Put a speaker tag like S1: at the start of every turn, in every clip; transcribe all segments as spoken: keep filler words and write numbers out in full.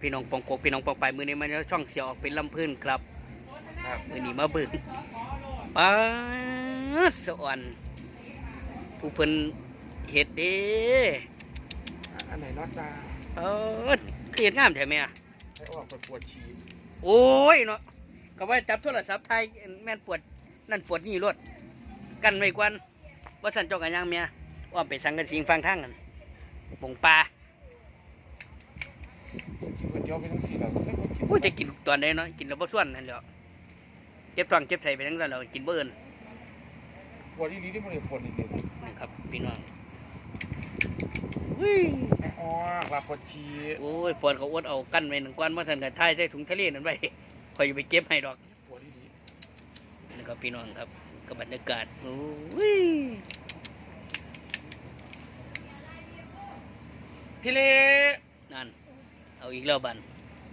S1: พี่น้องปองกกพี่น้องปองไปมือนี้มันช่องเสียวออกเป็นลำพื้นครับมือนี้มาเบิ่งป้าสวรรค์ผู้เพิ่นเฮ็ดเด้
S2: อันไหนนอกจาก
S1: เออเฮ็ดงามแท้แม่
S2: ให้ออกปวดฉี่
S1: โอ้ยเนาะก็ว่าจับโทรศัพท์ไทยแม่นปวดนั่นปวดนี่รถกันไว้กวนว่าสั่นเจ้ากันยังเมียว่าไปสังกันสิงฟังทางกันบงปลา
S2: กินก๋วยเตี๋ยวไปทั้งสี่แล้ว
S1: โอ้ยจะกินตอนไหนเนาะกินแล้วบ่ส่วนนั่นแหละเจ็บท้องเจ็บไส้ไปทั้งนั้นเรากินเบิ่น
S2: ปวดดีๆที่มันปวดนิดนึง
S1: นี่ครับพี่น้อง
S2: อ๋อลาปวดฉี่
S1: โอ้ยปวดเขาอดเอากันไว้หนึ่งก้อนว่าสั่นกันท้ายใส่ถุงทะเลนั่นไว้คอยไปเก็บให้ดอก
S2: ปวดดี
S1: ๆนี่ครับพี่น้องครับกับบรรยากาศโอ้ย
S2: พี่เล่
S1: นั่นเอาอีกแล้วบัน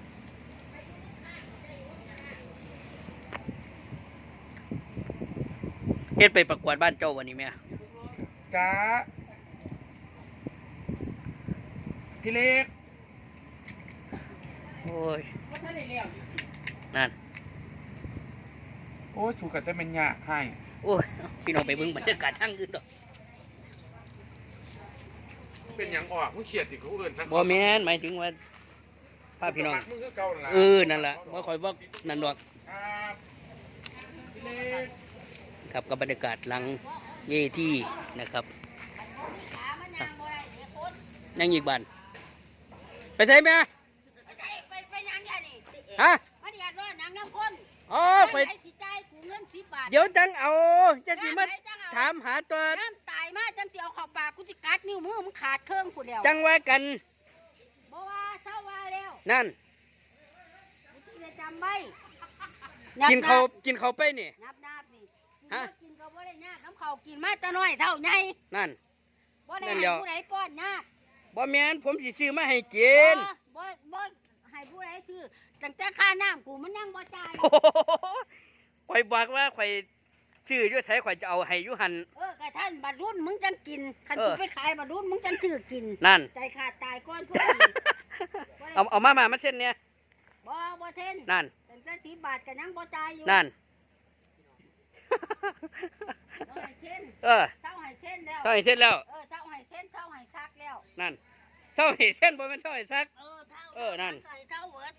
S1: เฮ็ดไปประกวดบ้านเจ้าวันนี้แม่
S2: จ้าพี่เล็ก
S1: โอ้ยนั่น
S2: โอ้ยถูกกันจะเป็นยาให้
S1: โอ้ยพี่น้องไปเบิ่งบรรยากาศทางอื่นต่อ
S2: เป็นอย่างออกมึงเขียดติเขาเอินสัก
S1: บ่แม่นหมายถึงว่าป้าพี่น้องเออนั่นแหละว่าคอยบอกนั่นดอกครับกับบรรยากาศหลังเวทีนะครับยังอีกบ้านไปใช่ไหมฮะอ๋อไปเดี๋ยวจังเอาจะสิมาถามหาตัว
S3: น้ำตายมาจังสิเอาขอบปากกูจะกัดนิ้วมือมึงขาดเครื่องกูแล้ว
S1: จังว่ากัน
S3: บ่ว่าเท่าว่าแล้ว
S1: นั่น
S3: กูจะจำไว้
S1: กินเขากินเขาไปนี่
S3: นับนับนี่ฮะกินเขาบ่ได้ยากน้ำเขากินมาแต่น้อยเท่าไง
S1: นั่น
S3: บ่ได้ให้ผู้ใดป้อนยาก
S1: บ่แม่นผมสิซื้อมาให้กิน
S3: บ่บ่ให้ผู้ใดซื้อตั้งแต่ค่าน้ำกูมันยังบ่จ่าย
S1: ข่อยบอกว่าข่อยซื้ออยู่ไสข่อยจะเอาให้อยู่หั่น
S3: เออกะท่านบัดรุ่นมึงจังกินคันกูไปขายบัดรุ่นมึงจังซื้อกิน
S1: นั่น
S3: ใจขาดตายก้อนพวก
S1: นี้เอาเอามามามาเส้นเนี่ย
S3: บ่บ่เส้น
S1: นั่น
S3: ตั้งแต่สิบบาทก็ยังบ่จ่ายอยู่
S1: นั่นเออ
S3: เท่าให้เส้นแล้ว
S1: เท่าให้เส้นแล้ว
S3: เออเท่าให้เส้นเท่าให้ซักแล้ว
S1: นั่นเท่าให้เส้นบ่แม่นเท่าให้ซัก
S3: เออเท่า
S1: เออนั่น
S3: ใส่เท่าเวิร์ด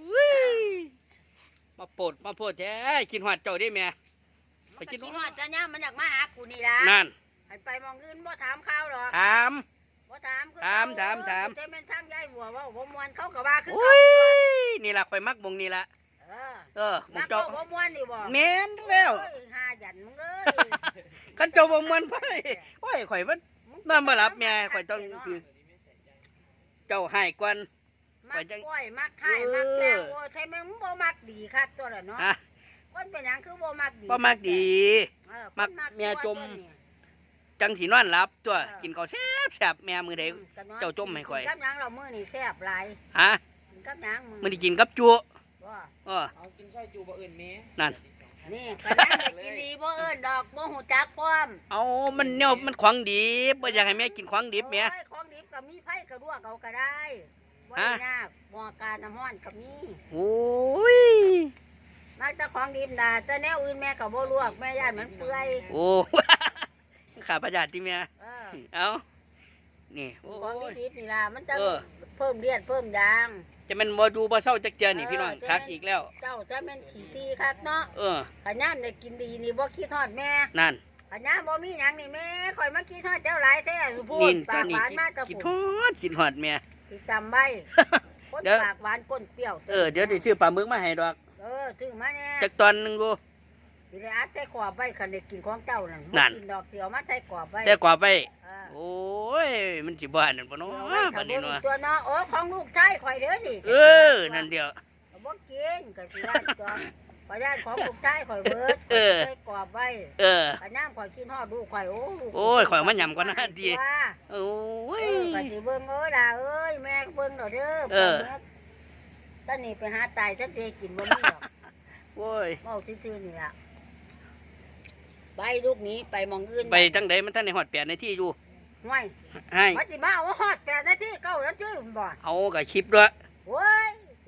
S1: มาโปรดมาโปรดแท้กินหอดเจ้าได้แม่
S3: ไปกินหอดจะเนี่ยมันอยากมาหากูนี่ล่ะ
S1: นั่น
S3: ให้ไปมองอื่นบ่ถามข้าวหรอก
S1: ถาม
S3: บ่ถาม
S1: ถามถามถาม
S3: จะเป็นทางยายบัวว่าบ่ม่วนเขาก็ว่าคือ
S1: เขานี่ล่ะข่อยมักบงนี่ล่ะ
S3: เออ
S1: เออ
S3: มึงเจ้าบ่ม่วนนี่บ่
S1: แม่นแล้ว
S3: หาหยันมึงเอ้ย
S1: คันเจ้าบ่ม่วนไปโอ้ยข่อยมันนอนบ่หลับแม่ข่อยต้องคือเจ้าให้ก่อน
S3: มักก้อยมักไข่มักแก้วโอ้ยไทยมึงบ่มักดีคักตัวละเนาะคนเป็นหยังคือบ่มักดี
S1: บ่มักดีมักแม่จมจังสินอนหลับตัวกินข้าวแซ่บแซ่บแม่มื้อใดเจ้าจมให้ข่อย
S3: กับหยังเรามื้อนี้แซ่บหลาย
S1: ฮะ
S3: กินกับหยัง
S1: มื้อนี้กินกับจุบ่
S3: เออ
S2: เอากินซอยจุบ่เอิ้นแม่
S1: นั่น
S3: นี่ก็ยังได้กินดีบ่เอิ้นดอกบ่ฮู้จักพร้อม
S1: เอามันแนวมันของดิบบ่อยากให้แม่กินของดิบแม่
S3: ของดิบก็มีไผก็ลวกเอาก็ได้บ่ได้ยากบ่การน้ำร้อนก็มี
S1: โอ้ย
S3: มาแต่ของดิบน่ะแต่แนวอื่นแม่ก็บ่ลวกแม่ย่านมันเปื่อย
S1: โอ้ข้าพเจ้าติแม่
S3: เออ
S1: เอานี่
S3: ของดิบนี่ล่ะมันจะเพิ่มเลือดเพิ่มยาง
S1: จะมันบ่ดูบ่เศร้าจักเจือนี่พี่น้องคักอีกแล้ว
S3: เจ้าจะเป็นขี้ตีคักเนาะ
S1: เออ
S3: ขะย่ามได้กินดีนี่บ่คิดฮอดแม่
S1: นั่น
S3: ขะย่ามบ่มีหยังนี่แม่ข่อยมาคิดฮอดเจ้าหลายแท้พูดปากหวานมากกับ
S1: คิดฮอดคิดฮอดแม่
S3: สิจำไว้คนปากหวานก้นเปรี้ยว
S1: เออเดี๋ยวสิซื้อปลาหมึกมาให้ดอก
S3: เออซื้อมาแน่
S1: จักตอนนึงบ่
S3: สิได้อัดใส่กรอบไว้คันได้กินของเจ้านั่นกินดอกเดียวมาใส่กรอบไว้
S1: ใส่กรอบไว้โอ้ยมันสิบ่นั่นบ่เนาะบัดนี้เนาะ
S3: ตัวเนาะโอ้ของลูกชายข่อยเด้อนี่
S1: เออนั่นเดียว
S3: บ่กินก็สิได้ตัวขอญาติของลูกชายข่อยเบิดใส่กรอบไว้
S1: เออ
S3: ขะย่ามข่อยกินฮอดลูกข่อยโอ้
S1: โอ้ยข่อยมันยำก่อนนะดีโอ้ย
S3: ก็สิเบิ่งเอ้ยล่ะเอ้ยแม่เบิ่งดอกเด้อเออตอนนี้ไปหาตายจักสิกินบ่มีดอก
S1: โอ้ย
S3: เว้าซื่อๆนี่ล่ะไปลูกนี้ไปมองอื่น
S1: ไปจังไดมันท่านในฮอดแปดนาทีอยู่
S3: ห่วย
S1: ให้
S3: มันสิมาว่าฮอดแปดนาทีเก้านาทีบ่
S1: เอาก็คลิปด้วย
S3: โอ้ย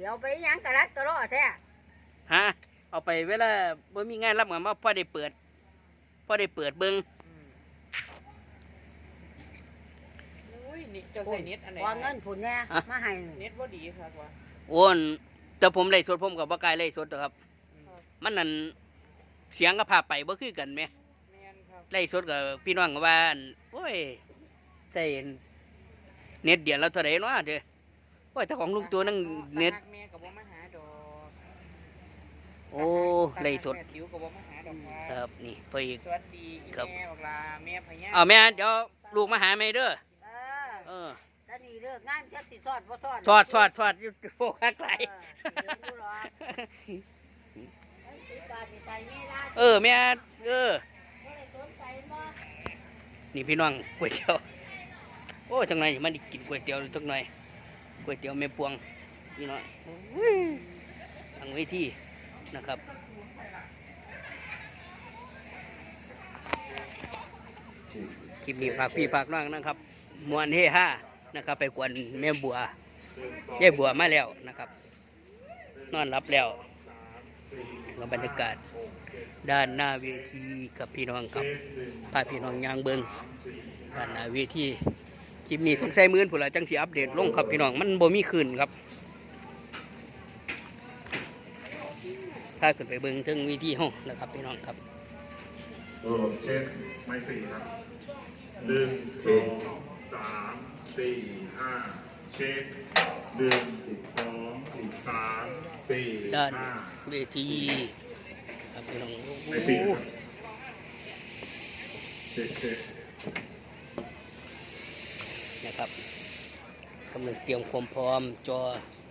S3: ดี๋ยวไปหยังกะรัดกะรอแท้
S1: ฮะเอาไปเวลาบ่มีงานรับงานมาพอได้เปิดพอได้เปิดเบิ่ง
S2: อุ้ยนี่เจ้าใส่เน็ตอันไหน
S3: พอเงินผุนแน่มาให้
S2: เน็ตบ่ดีครับว่า
S1: โอนแต่ผมไล่สดผมกับบ่กล้าไล่สดหรอกครับ มันนั่นเสียงกับภาพไปบ่คือกันแหม
S2: แม่นครับ
S1: ไล่สดกับพี่น้องก็ว่าอั่นโอ้ยใส่เน็ตเดือนแล้วเท่าไหร่เนาะเด้อโอ้ยแต่ของลุงตัวนั่งเน็ต
S2: ตาหักแม่ก็บ่มาหาดอก
S1: โอ้ไล่สด
S2: แม่ติ๋วก็บ่มาหาดอก
S1: ค
S2: ค
S1: รั
S2: รับบ
S1: นี่เพิ่นอีก
S2: สวัสดีอี
S1: ครับ
S2: แม่บอกลาแม่พญา
S1: เอาแม่เดี๋ยวลูกมาหาแม่เด้อ
S3: เออ
S1: เออ
S3: แล้วนี่เลิกงานจักสิสอดบ่สอด
S1: สอดสอดสอดอยู่โอ้คักไหล
S3: เออเดี๋ยวดูหรอกไอ้สิบบาทนี่ใส่นี่ล่ะ
S1: เออแม่เออ
S3: บ่ได้สนใจบ่
S1: นี่พี่น้องก๋วยเตี๋ยวโอ้จังไหนมันได้กินก๋วยเตี๋ยวจังหน่อยก๋วยเตี๋ยวแม่ปวงนี่เนาะอุ้ยทางเวทีนะครับคลิปนี้ฝากพี่ฝากน้องนะครับมวนเฮฮานะครับ ไปกวนแม่บัวยายบัวมาแล้วนะครับ นอนรับแล้วกับบรรยากาศด้านหน้าเวทีกับพี่น้องครับพาพี่น้องยางเบิงด้านหน้าเวทีคลิปนี้สงสัยมื้อผู้ละจังสิอัปเดตลงครับพี่น้องมันบ่มีคืนครับถ้าขึ้นไปเบิงถึงเวทีห้องนะครับพี่น้องครับ
S4: โอ้เช็คไม่สี่ครับหนึ่งสองสามสี่ห้าเช็คหนึ่งสองสามสี่
S1: ด้าน
S4: ห้า
S1: เวทีครับพี่น้องโอ้โห
S4: ไม่สี่ครับเช็คเช็ค
S1: นะครับกำลังเตรียมความพร้อมจอ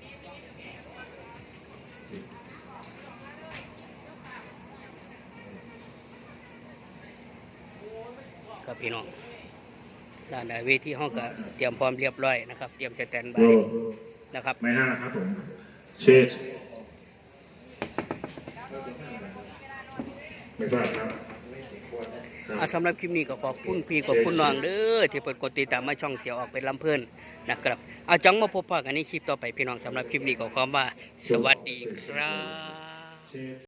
S1: ครับพี่น้องด้านหน้าเวทีห้องก็เตรียมพร้อมเรียบร้อยนะครับ เตรียมสแตนบา
S4: โอ้
S1: ยนะครับ
S4: ไม่ห้านะครับผมเช็คไม่ทราบครับครับ
S1: อ่ะสำหรับคลิปนี้ก็ขอบคุณพี่ขอบคุณน้องเด้อที่เปิดกดติดตามมาช่องเสียวออกเป็นลำเพิ่นนะครับเอาจังมาพบปะกันในคลิปต่อไปพี่น้องสำหรับคลิปนี้ก็ขอว่าสวัสดีครับ
S4: เช็ค